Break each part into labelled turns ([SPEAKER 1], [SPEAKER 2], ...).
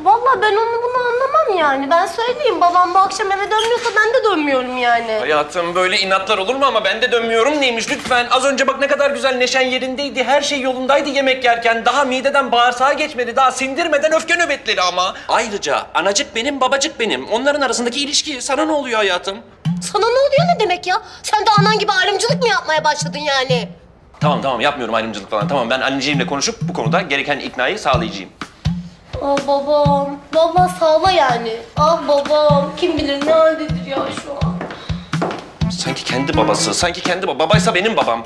[SPEAKER 1] Vallahi ben onu bunu anlamam yani. Ben söyleyeyim, babam bu akşam eve dönmüyorsa ben de dönmüyorum yani.
[SPEAKER 2] Hayatım böyle inatlar olur mu ama ben de dönmüyorum neymiş lütfen. Az önce bak ne kadar güzel neşen yerindeydi. Her şey yolundaydı yemek yerken. Daha mideden bağırsağa geçmedi. Daha sindirmeden öfke nöbetleri ama. Ayrıca anacık benim, babacık benim. Onların arasındaki ilişki sana ne oluyor hayatım?
[SPEAKER 1] Sana ne oluyor ne demek ya? Sen de anan gibi ayrımcılık mı yapmaya başladın yani?
[SPEAKER 2] Tamam yapmıyorum ayrımcılık falan. Tamam ben anneciğimle konuşup bu konuda gereken iknayı sağlayacağım.
[SPEAKER 1] Ah babam. Vallahi sağla yani. Ah babam. Kim bilir ne haldedir ya şu an.
[SPEAKER 2] Sanki kendi babası, sanki kendi babaysa benim babam.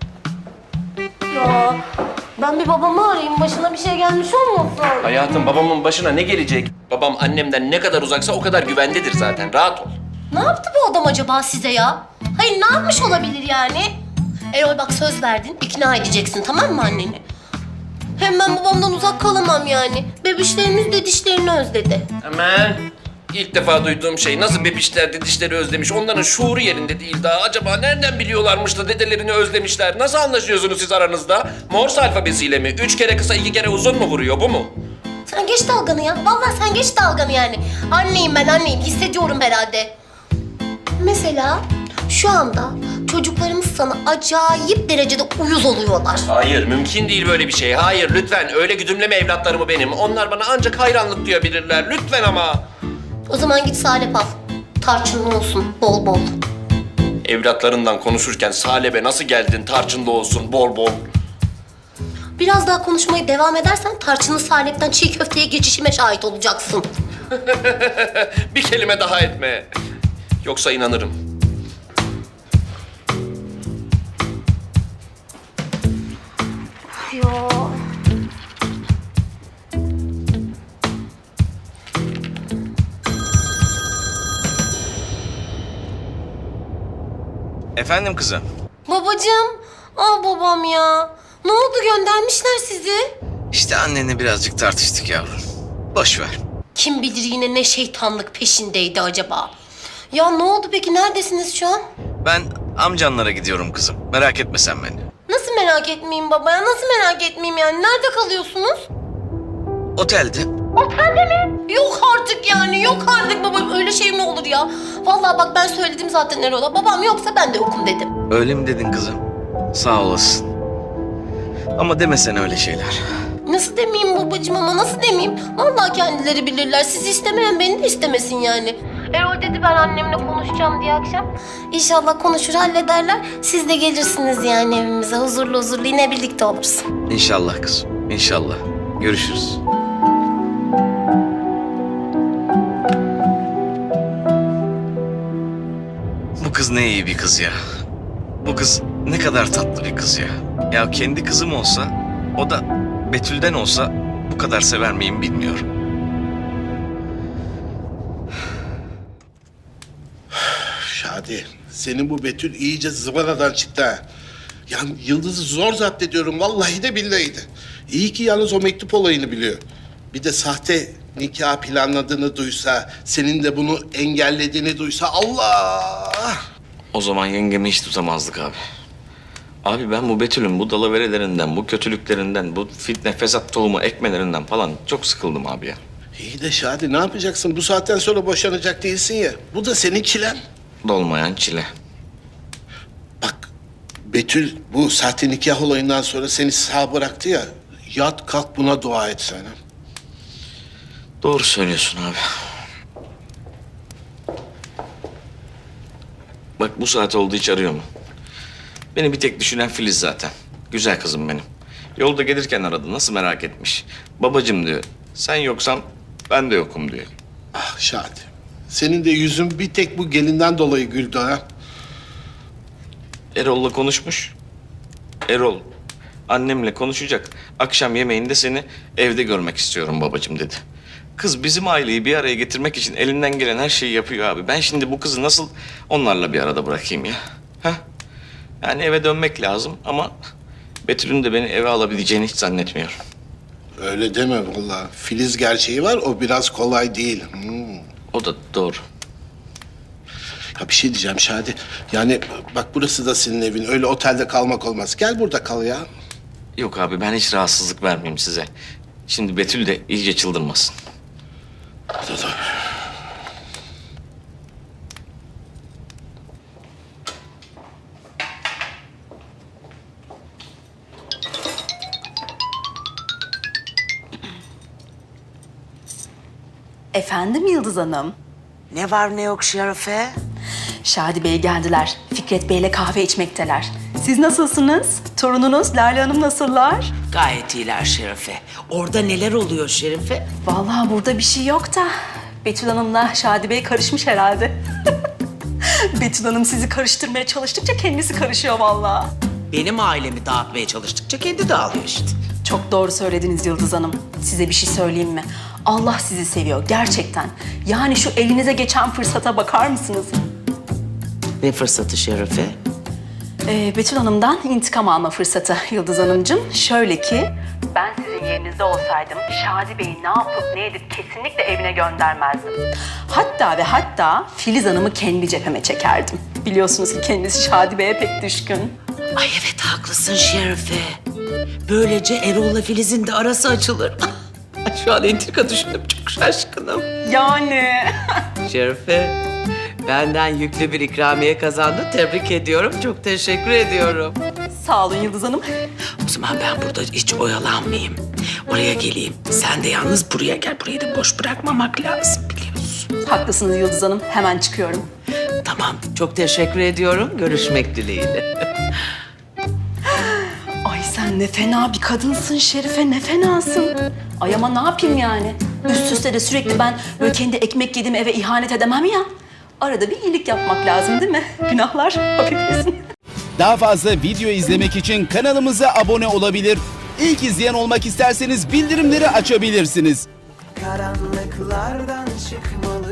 [SPEAKER 1] Ya ben bir babamı arayayım. Başına bir şey gelmiş olmasın?
[SPEAKER 2] Hayatım babamın başına ne gelecek? Babam annemden ne kadar uzaksa o kadar güvendedir zaten. Rahat ol.
[SPEAKER 1] Ne yaptı bu adam acaba size ya? Hayır ne yapmış olabilir yani? Erol bak söz verdin. İkna edeceksin tamam mı anneni? Hem ben babamdan uzak kalamam yani. Bebişlerimiz de dişlerini özledi.
[SPEAKER 2] Hemen. İlk defa duyduğum şey nasıl bebişler dişleri özlemiş. Onların şuuru yerinde değil daha. Acaba nereden biliyorlarmış da dedelerini özlemişler? Nasıl anlaşıyorsunuz siz aranızda? Morse alfabesiyle mi? 3 kere kısa 2 kere uzun mu vuruyor bu mu?
[SPEAKER 1] Sen geç dalganı ya. Vallahi sen geç dalganı yani. Anneyim ben anneyim. Hissediyorum herhalde. Mesela şu anda çocuklarımız sana acayip derecede uyuz oluyorlar.
[SPEAKER 2] Hayır mümkün değil böyle bir şey. Hayır lütfen öyle güdümleme evlatlarımı benim. Onlar bana ancak hayranlık duyabilirler. Lütfen ama.
[SPEAKER 1] O zaman git salep al. Tarçınlı olsun bol bol.
[SPEAKER 2] Evlatlarından konuşurken salebe nasıl geldin tarçınlı olsun bol bol.
[SPEAKER 1] Biraz daha konuşmaya devam edersen tarçınlı salepten çiğ köfteye geçişime şahit olacaksın.
[SPEAKER 2] Bir kelime daha etme. Yoksa inanırım.
[SPEAKER 1] Ya.
[SPEAKER 3] Efendim kızım?
[SPEAKER 1] Babacığım. Ah babam ya. Ne oldu göndermişler sizi?
[SPEAKER 3] İşte annenle birazcık tartıştık yavrum. Boş ver.
[SPEAKER 1] Kim bilir yine ne şeytanlık peşindeydi acaba? Ya ne oldu peki? Neredesiniz şu an?
[SPEAKER 3] Ben amcanlara gidiyorum kızım. Merak etme sen beni.
[SPEAKER 1] Nasıl merak etmeyeyim baba ya? Nasıl merak etmeyeyim yani? Nerede kalıyorsunuz?
[SPEAKER 3] Otelde.
[SPEAKER 1] Otelde mi? Yok artık yani. Yok artık baba. Öyle şey mi olur ya? Vallahi bak ben söyledim zaten Erol'a. Babam yoksa ben de yokum dedim.
[SPEAKER 3] Öyle mi dedin kızım? Sağ olasın. Ama demesen öyle şeyler.
[SPEAKER 1] Nasıl demeyeyim babacığım ama nasıl demeyeyim? Vallahi kendileri bilirler. Sizi istemeyen beni de istemesin yani. Erol dedi ben annemle konuşacağım diye akşam. İnşallah konuşur hallederler. Siz de gelirsiniz yani evimize. Huzurlu huzurlu yine birlikte oluruz.
[SPEAKER 3] İnşallah kızım. İnşallah. Görüşürüz. Bu kız ne iyi bir kız ya. Bu kız ne kadar tatlı bir kız ya. Ya kendi kızım olsa, o da Betül'den olsa bu kadar sever miyim bilmiyorum.
[SPEAKER 4] Şadi, senin bu Betül iyice zıvanadan çıktı ha. Yani Yıldız'ı zor zapt ediyorum, vallahi de billahi de. İyi ki yalnız o mektup olayını biliyor. Bir de sahte nikah planladığını duysa, senin de bunu engellediğini duysa Allah!
[SPEAKER 5] O zaman yengemi hiç tutamazdık abi. Abi ben bu Betül'ün bu dalaverelerinden, bu kötülüklerinden, bu fitne fesat tohumu ekmelerinden falan çok sıkıldım abi ya.
[SPEAKER 4] İyi de Şadi ne yapacaksın? Bu saatten sonra boşanacak değilsin ya. Bu da senin çilen.
[SPEAKER 5] Dolmayan çile.
[SPEAKER 4] Bak, Betül bu sahte nikah olayından sonra seni sağ bıraktı ya. Yat kalk buna dua et sen. Ha?
[SPEAKER 5] Doğru söylüyorsun abi. Bak bu saat oldu hiç arıyor mu? Beni bir tek düşünen Filiz zaten. Güzel kızım benim. Yolda gelirken aradı. Nasıl merak etmiş. Babacığım diyor. Sen yoksan ben de yokum diyor.
[SPEAKER 4] Ah Şadi, senin de yüzün bir tek bu gelinden dolayı güldü ha.
[SPEAKER 5] Erol'la konuşmuş. Erol annemle konuşacak. Akşam yemeğinde seni evde görmek istiyorum babacığım dedi. Kız bizim aileyi bir araya getirmek için elinden gelen her şeyi yapıyor abi. Ben şimdi bu kızı nasıl onlarla bir arada bırakayım ya? Ha? Yani eve dönmek lazım ama Betül'ün de beni eve alabileceğini hiç zannetmiyorum.
[SPEAKER 4] Öyle deme vallahi. Filiz gerçeği var, o biraz kolay değil.
[SPEAKER 5] O da doğru.
[SPEAKER 4] Ya bir şey diyeceğim Şadi. Yani bak burası da senin evin. Öyle otelde kalmak olmaz. Gel burada kal ya.
[SPEAKER 5] Yok abi ben hiç rahatsızlık vermeyeyim size. Şimdi Betül de iyice çıldırmasın.
[SPEAKER 6] Efendim Yıldız Hanım?
[SPEAKER 7] Ne var ne yok Şerife?
[SPEAKER 6] Şadi Bey geldiler. Fikret Bey'le kahve içmekteler. Siz nasılsınız? Torununuz Lale Hanım nasıllar?
[SPEAKER 7] Gayet iyiler Şerife. Orada neler oluyor Şerife?
[SPEAKER 6] Vallahi burada bir şey yok da Betül Hanım'la Şadi Bey karışmış herhalde. Betül Hanım sizi karıştırmaya çalıştıkça kendisi karışıyor vallahi.
[SPEAKER 7] Benim ailemi dağıtmaya çalıştıkça kendi dağılıyor işte.
[SPEAKER 6] Çok doğru söylediniz Yıldız Hanım. Size bir şey söyleyeyim mi? Allah sizi seviyor gerçekten. Yani şu elinize geçen fırsata bakar mısınız?
[SPEAKER 7] Ne fırsatı Şerife?
[SPEAKER 6] Betül Hanım'dan intikam alma fırsatı Yıldız Hanımcığım. Şöyle ki, ben sizin yerinizde olsaydım Şadi Bey'i ne yapıp ne edip kesinlikle evine göndermezdim. Hatta ve hatta Filiz Hanım'ı kendi cepheme çekerdim. Biliyorsunuz ki kendisi Şadi Bey'e pek düşkün.
[SPEAKER 7] Ay evet haklısın Şerife. Böylece Erol'la Filiz'in de arası açılır. Ay, şu an entrika düşündüm çok şaşkınım.
[SPEAKER 6] Yani.
[SPEAKER 7] Şerife benden yüklü bir ikramiye kazandın. Tebrik ediyorum. Çok teşekkür ediyorum.
[SPEAKER 6] Sağ olun Yıldız Hanım.
[SPEAKER 7] O zaman ben burada hiç oyalanmayayım. Oraya geleyim. Sen de yalnız buraya gel. Burayı da boş bırakmamak lazım biliyorsun.
[SPEAKER 6] Haklısınız Yıldız Hanım. Hemen çıkıyorum.
[SPEAKER 7] Tamam. Çok teşekkür ediyorum. Görüşmek dileğiyle.
[SPEAKER 6] Ay sen ne fena bir kadınsın Şerife, ne fenasın. Ay ama ne yapayım yani? Üst üste de sürekli ben böyle kendi ekmek yediğim eve ihanet edemem ya. Arada bir iyilik yapmak lazım değil mi? Günahlar hafiflesin.
[SPEAKER 8] Daha fazla video izlemek için kanalımıza abone olabilir. İlk izleyen olmak isterseniz bildirimleri açabilirsiniz.
[SPEAKER 9] Karanlıklardan çıkmalı